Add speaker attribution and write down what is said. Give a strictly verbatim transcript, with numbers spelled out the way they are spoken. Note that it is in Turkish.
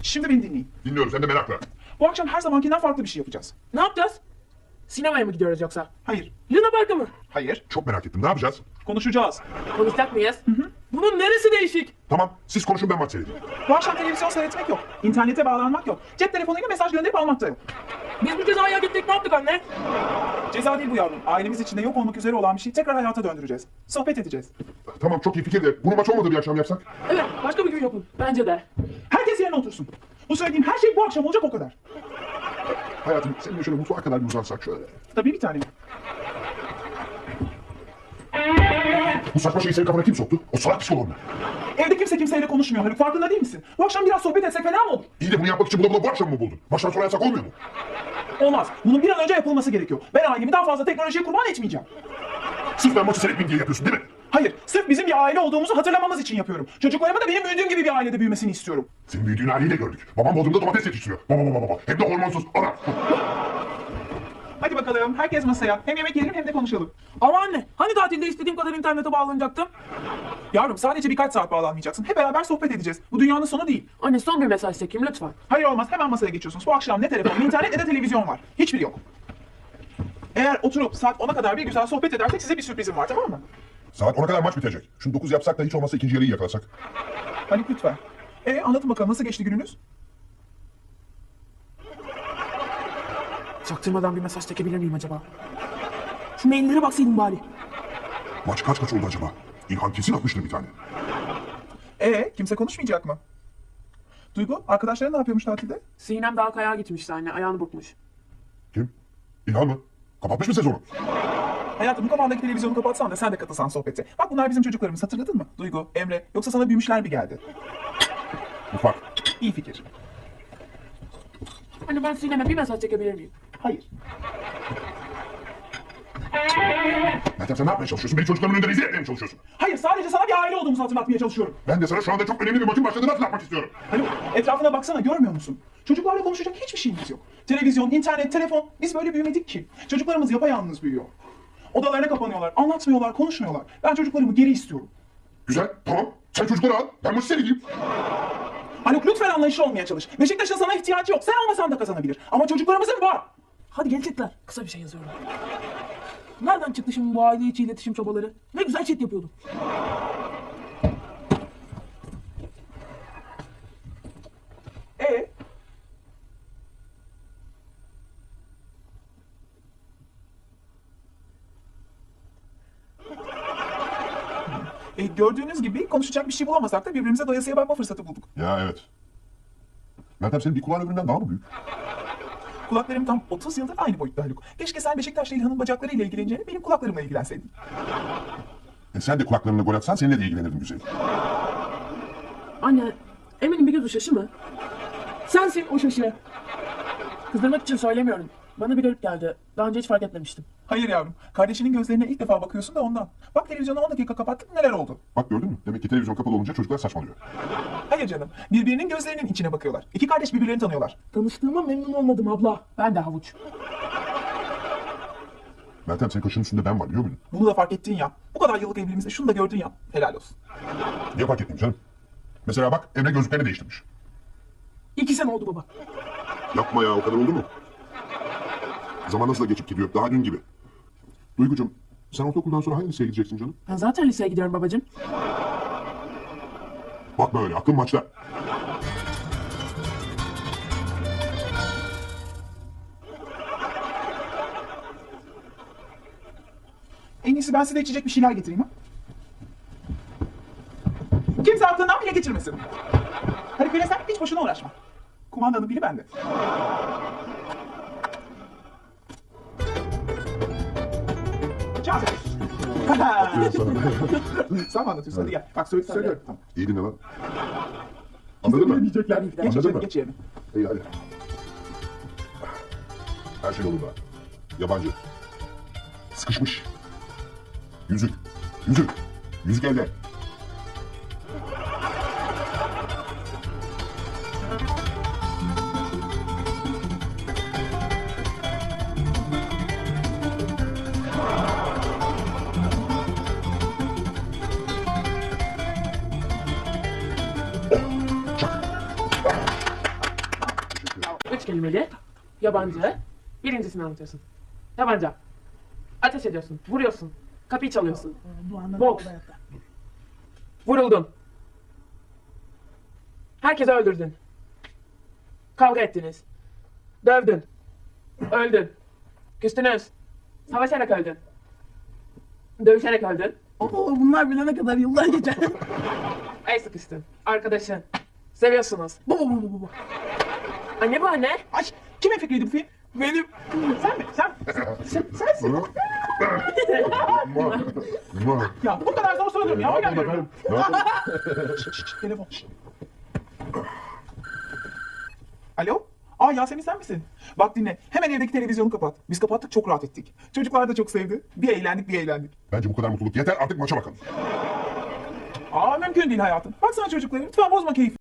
Speaker 1: Şimdi beni dinleyin.
Speaker 2: Dinliyorum, sen de merakla.
Speaker 1: Bu akşam her zamankinden farklı bir şey yapacağız.
Speaker 3: Ne yapacağız? Sinemaya mı gidiyoruz yoksa?
Speaker 1: Hayır.
Speaker 3: Luna Park'a mı?
Speaker 1: Hayır.
Speaker 2: Çok merak ettim, ne yapacağız?
Speaker 1: Konuşacağız.
Speaker 3: Konuşacak mıyız? Hı hı. Bunun neresi değişik?
Speaker 2: Tamam, siz konuşun, ben maç seyredeyim.
Speaker 1: Bu akşam televizyon seyretmek yok. İnternete bağlanmak yok. Cep telefonuyla mesaj gönderip almak da yok.
Speaker 3: Biz bu cezayı hak ettik, ne yaptık anne?
Speaker 1: Ceza değil bu yavrum. Ailemiz içinde yok olmak üzere olan bir şeyi tekrar hayata döndüreceğiz. Sohbet edeceğiz.
Speaker 2: Tamam, çok iyi fikir de bunu maç olmadığı bir akşam yapsak?
Speaker 3: Evet, başka bir gün yapın. Bence de.
Speaker 1: Herkes yerine otursun. Bu söylediğim her şey bu akşam olacak, o kadar.
Speaker 2: Hayatım, seninle şöyle mutfağa kadar bir uzansak şöyle.
Speaker 1: Tabii bir tane.
Speaker 2: Bu saçma şeyi senin kafana kim soktu? O salak psikolog mu?
Speaker 1: Evde kimse kimseyle konuşmuyor Haluk. Farkında değil misin? Bu akşam biraz sohbet etsek fena mı olur?
Speaker 2: İyi de bunu yapmak için bula bula bu akşam mı buldun? Baştan sona yapsak olmuyor mu?
Speaker 1: Olmaz. Bunun bir an önce yapılması gerekiyor. Ben ailemi daha fazla teknolojiye kurban etmeyeceğim.
Speaker 2: Sırf ben maçı seyretmeyeyim diye yapıyorsun değil mi?
Speaker 1: Hayır, sırf bizim bir aile olduğumuzu hatırlamamız için yapıyorum. Çocuklarımın da benim büyüdüğüm gibi bir ailede büyümesini istiyorum.
Speaker 2: Senin büyüdüğün haliyle gördük. Babam Bodrum'da domates yetiştiriyor. Baba baba baba. Hem de hormonsuz. Ana.
Speaker 1: Hadi bakalım, herkes masaya. Hem yemek yiyelim hem de konuşalım.
Speaker 3: Ama anne, hani tatilde istediğim kadar internete bağlanacaktım?
Speaker 1: Yavrum, sadece birkaç saat bağlanmayacaksın. Hep beraber sohbet edeceğiz. Bu dünyanın sonu değil.
Speaker 3: Anne son bir mesaj çekeyim lütfen.
Speaker 1: Hayır olmaz, hemen masaya geçiyorsunuz. Bu akşam ne telefon, ne internet ne de televizyon var. Hiçbiri yok. Eğer oturup saat ona kadar bir güzel sohbet edersek size bir sürprizim var, tamam mı?
Speaker 2: Saat ona kadar maç bitecek. Şunu dokuz yapsak da hiç olmazsa ikinci yarıyı yakalasak.
Speaker 1: Haluk lütfen. E anlatın bakalım, nasıl geçti gününüz?
Speaker 3: Çaktırmadan bir mesaj çekebilir miyim acaba? Şu maillere baksaydım bari.
Speaker 2: Maç kaç kaç oldu acaba? İlhan kesin atmıştır bir tane.
Speaker 1: E kimse konuşmayacak mı? Duygu, arkadaşların ne yapıyormuş tatilde?
Speaker 3: Sinem daha kayağa gitmişti anne, ayağını burkmuş.
Speaker 2: Kim? İlhan mı? Kapatmış mı sezonu?
Speaker 1: Hayatım, bu kafandaki televizyonu kapatsan da sen de katılsan sohbete. Bak bunlar bizim çocuklarımız, hatırladın mı? Duygu, Emre, yoksa sana büyümüşler mi geldi?
Speaker 2: Ufak.
Speaker 1: İyi fikir.
Speaker 3: Anne ben Sinem'e bir mesaj çekebilir miyim?
Speaker 1: Hayır.
Speaker 2: Meltem sen ne yapmaya çalışıyorsun? Beni çocuklarımın önünde rezil etmeye mi çalışıyorsun?
Speaker 1: Hayır, sadece sana bir aile olduğumuzu hatırlatmaya çalışıyorum.
Speaker 2: Ben de sana şu anda çok önemli bir maçın başladığını hatırlatmak istiyorum.
Speaker 1: Haluk, etrafına baksana, görmüyor musun? Çocuklarla konuşacak hiçbir şeyimiz yok. Televizyon, internet, telefon, biz böyle büyümedik ki. Çocuklarımız yapayalnız büyüyor. Odalarına kapanıyorlar, anlatmıyorlar, konuşmuyorlar. Ben çocuklarımı geri istiyorum.
Speaker 2: Güzel, tamam. Sen çocukları al, ben maçı seyredeyim.
Speaker 1: Haluk lütfen anlayışlı olmaya çalış. Beşiktaş'ın sana ihtiyacı yok. Sen olmasan da kazanabilir. Ama çocuklarımızın var.
Speaker 3: Hadi gelecekler. Kısa bir şey yazıyorum. Nereden çıktı şimdi bu aile içi iletişim çabaları? Ne güzel chat yapıyordum.
Speaker 1: E E, gördüğünüz gibi konuşacak bir şey bulamasak da birbirimize doyasıya bakma fırsatı bulduk.
Speaker 2: Ya evet. Meltem senin bir kulağın öbüründen daha mı büyük?
Speaker 1: Kulaklarım tam otuz yıldır aynı boyutta Haluk. Keşke sen Beşiktaş'la İlhan'ın bacaklarıyla ilgileneceğine benim kulaklarımla ilgilenseydin.
Speaker 2: E sen de kulaklarına gol atsan seninle de ilgilenirdim güzelim.
Speaker 3: Anne, eminim bir göz o şaşı mı? Sensin o şaşı. Kızdırmak için söylemiyorum. Bana bir garip geldi. Daha önce hiç fark etmemiştim.
Speaker 1: Hayır yavrum, kardeşinin gözlerine ilk defa bakıyorsun da ondan. Bak televizyonu on dakika kapattık, neler oldu?
Speaker 2: Bak gördün mü? Demek ki televizyon kapalı olunca çocuklar saçmalıyor.
Speaker 1: Hayır canım, birbirinin gözlerinin içine bakıyorlar. İki kardeş birbirlerini tanıyorlar.
Speaker 3: Tanıştığıma memnun olmadım abla. Ben de havuç.
Speaker 2: Meltem senin kaşının üstünde ben var biliyor musun?
Speaker 1: Bunu da fark ettin ya. Bu kadar yıllık evliliğimizde şunu da gördün ya. Helal olsun.
Speaker 2: Niye fark etmeyeyim canım? Mesela bak Emre gözlüklerini değiştirmiş.
Speaker 3: İki sene oldu baba.
Speaker 2: Yapma ya o kadar oldu mu? Zaman nasıl da geçip gidiyor daha dün gibi. Duygucuğum sen ortaokuldan sonra hangi liseye gideceksin canım?
Speaker 3: Ben zaten liseye gidiyorum babacığım.
Speaker 2: Bakma öyle aklın maçta.
Speaker 1: En iyisi ben size içecek bir şeyler getireyim ha. Kimse aklından bile geçirmesin. Hadi böyle sen hiç boşuna uğraşma. Kumandanın biri bende. Çağır. Sen mi anlatıyorsun? Hadi gel. Bak söyle, söylüyorum. Tamam.
Speaker 2: İyi dinle lan. Anladın mı?
Speaker 1: Diyecekler. Geç
Speaker 2: Anladın
Speaker 1: içeri,
Speaker 2: mı?
Speaker 1: geç yerine.
Speaker 2: İyi hadi. Her şey yolunda. Yabancı. Sıkışmış. Yüzük. Yüzük. Yüzük elde.
Speaker 3: Üç kelimeli. Yabancı. Birincisini anlatıyorsun. Yabancı. Ateş ediyorsun. Vuruyorsun. Kapıyı çalıyorsun. Boks. Vuruldun. Herkesi öldürdün. Kavga ettiniz. Dövdün. Öldün. Küstünüz. Savaşarak öldün. Dövüşerek öldün.
Speaker 4: Oo, bunlar bilene kadar yıllar geçer.
Speaker 3: El sıkıştın. Arkadaşın. Seviyorsunuz.
Speaker 4: Bu bu bu bu bu.
Speaker 3: Anne bu anne.
Speaker 1: Ay kimin fikriydi bu film?
Speaker 4: Benim.
Speaker 1: Sen mi? Sen, sen sensin.
Speaker 2: Mua. Mua.
Speaker 1: Ya bu kadar zor soruyorum ya.
Speaker 2: Ne
Speaker 1: O
Speaker 2: yapalım
Speaker 1: gelmiyor.
Speaker 2: efendim? Ne yapalım?
Speaker 1: Şşş, şşş, telefon. Şşş. Alo? Aa Yasemin sen misin? Bak dinle. Hemen evdeki televizyonu kapat. Biz kapattık çok rahat ettik. Çocuklar da çok sevdi. Bir eğlendik bir eğlendik.
Speaker 2: Bence bu kadar mutluluk yeter, artık maça bakalım.
Speaker 1: Aa mümkün değil hayatım. Baksana çocuklara. Lütfen bozma keyfi.